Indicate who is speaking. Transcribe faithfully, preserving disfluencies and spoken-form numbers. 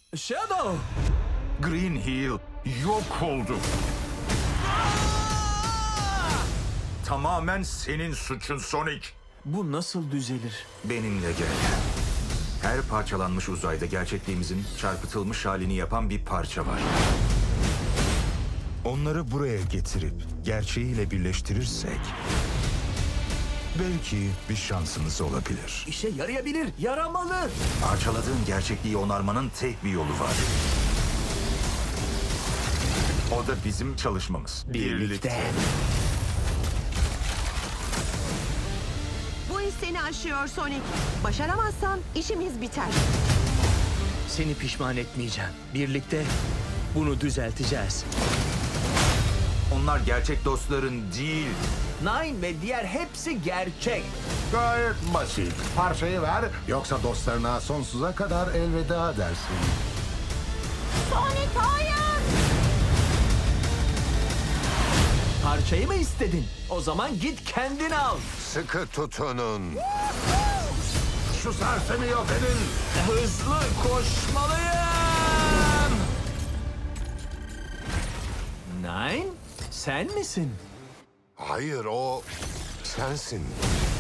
Speaker 1: Shadow!
Speaker 2: Green Hill yok oldu. Tamamen senin suçun Sonic.
Speaker 1: Bu nasıl düzelir?
Speaker 2: Benimle gel. Her parçalanmış uzayda gerçekliğimizin çarpıtılmış halini yapan bir parça var.
Speaker 3: Onları buraya getirip gerçeğiyle birleştirirsek belki bir şansımız olabilir.
Speaker 1: İşe yarayabilir, yaramalı.
Speaker 2: Parçaladığın gerçekliği onarmanın tek bir yolu var. O da bizim çalışmamız.
Speaker 4: Bu iş seni aşıyor Sonic. Başaramazsan işimiz biter.
Speaker 1: Seni pişman etmeyeceğim. Birlikte bunu düzelteceğiz.
Speaker 2: Onlar gerçek dostların değil.
Speaker 1: Nine ve diğer hepsi gerçek.
Speaker 5: Gayet basit. Parçayı ver, yoksa dostlarına sonsuza kadar elveda dersin.
Speaker 4: Sonic hayır!
Speaker 1: Parçayı mı istedin? O zaman git kendin al.
Speaker 5: Sıkı tutunun. Şu sersemi yok edin.
Speaker 1: Hızlı koşmalıyım. Nine, sen misin?
Speaker 5: Hayır, o sensin.